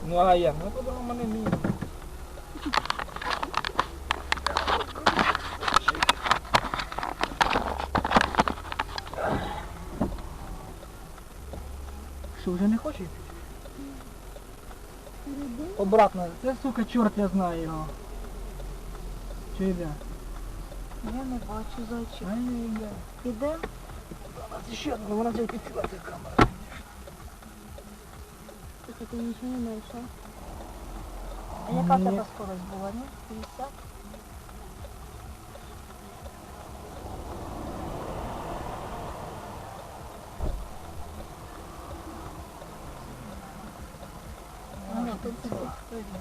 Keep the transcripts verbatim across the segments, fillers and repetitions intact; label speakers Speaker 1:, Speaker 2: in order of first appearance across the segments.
Speaker 1: Ну а як? Ну по-другому не вмію. Що, вже не хоче? Обратно. Це, сука, чорт, я знаю його. Чи йде?
Speaker 2: Я не бачу зайчик.
Speaker 1: А не йде.
Speaker 2: Іде?
Speaker 1: Це ще одна, вона вже підсіла ця камера.
Speaker 2: Тільки ти нічого не знайшов. А яка в
Speaker 1: Ні.
Speaker 2: тебе скорость була, ні? п'ятдесят? Ну, тут це сильно.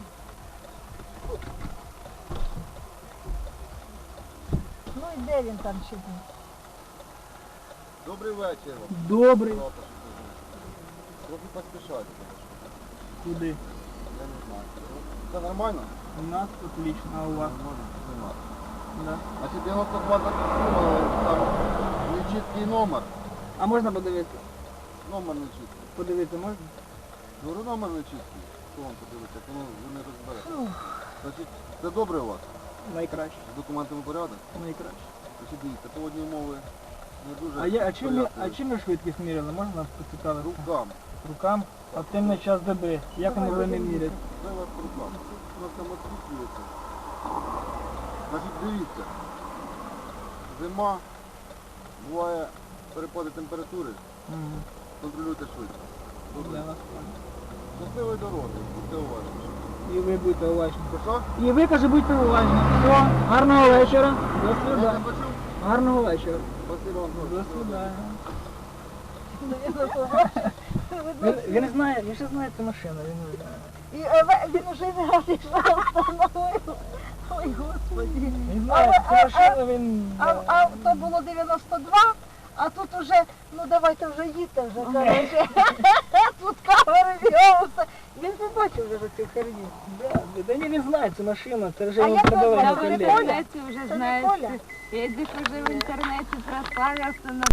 Speaker 2: Ну і де він там ще був?
Speaker 3: Добрий вечір.
Speaker 1: Добрий.
Speaker 3: Трохи поспішайте.
Speaker 1: Куди?
Speaker 3: Я не знаю. Це нормально?
Speaker 1: У нас отлично, а у вас?
Speaker 3: Нормально. Нема.
Speaker 1: Да.
Speaker 3: Значить, дев'яносто два там нечіткий номер.
Speaker 1: А можна подивитися?
Speaker 3: Номер нечіткий.
Speaker 1: Подивитися можна?
Speaker 3: Говорю, номер нечіткий. Що вам подивиться? Воно ви не розберете. Значить, це добре у вас?
Speaker 1: Найкраще.
Speaker 3: З документами порядок?
Speaker 1: Найкраще.
Speaker 3: Значить, дивіться, погодні умови не дуже
Speaker 1: А, я, а, чим, ми, а
Speaker 3: порядкові.
Speaker 1: чим ми швидкість міряли? Можна нас поцікавити?
Speaker 3: Рукам.
Speaker 1: Рукам? А в темний час доби. Як вони могли не міряти?
Speaker 3: Це у вас рукам. У нас там освітлюється. Значить, дивіться. Зима, буває перепади температури,
Speaker 1: Угу.
Speaker 3: контролюйте швидко. Добре.
Speaker 1: Для вас.
Speaker 3: Щасливої дороги, будьте уважні.
Speaker 1: І ви будьте уважні.
Speaker 3: Що?
Speaker 1: І ви, каже, будьте уважні. Все, гарного вечора. До
Speaker 3: Я не
Speaker 1: свидання.
Speaker 3: почув?
Speaker 1: Гарного вечора.
Speaker 3: Спасибо вам
Speaker 1: До
Speaker 3: дуже.
Speaker 1: свидання.
Speaker 2: Ну, я не знаю.
Speaker 1: Він, він знає, він ще знає цю машину, він не знає.
Speaker 2: І е, ви- він уже не раз ішов, встановив. Ой, Господи.
Speaker 1: Він знає
Speaker 2: А,
Speaker 1: цю
Speaker 2: а,
Speaker 1: машину, він...
Speaker 2: А, а то було дев'яносто два, а тут уже, ну давайте вже їдьте вже, коротше. Тут камери з'явилися. Він побачив вже цю херню.
Speaker 1: Да, да ні, він знає цю машину, це вже
Speaker 2: А
Speaker 1: йому
Speaker 2: як
Speaker 1: продавали
Speaker 2: назвали?
Speaker 1: на
Speaker 2: Це не
Speaker 1: колі.
Speaker 2: Коля?
Speaker 4: Интернете уже
Speaker 2: Це не
Speaker 4: знаешь,
Speaker 2: Коля?
Speaker 4: Эдик уже в интернете прославился на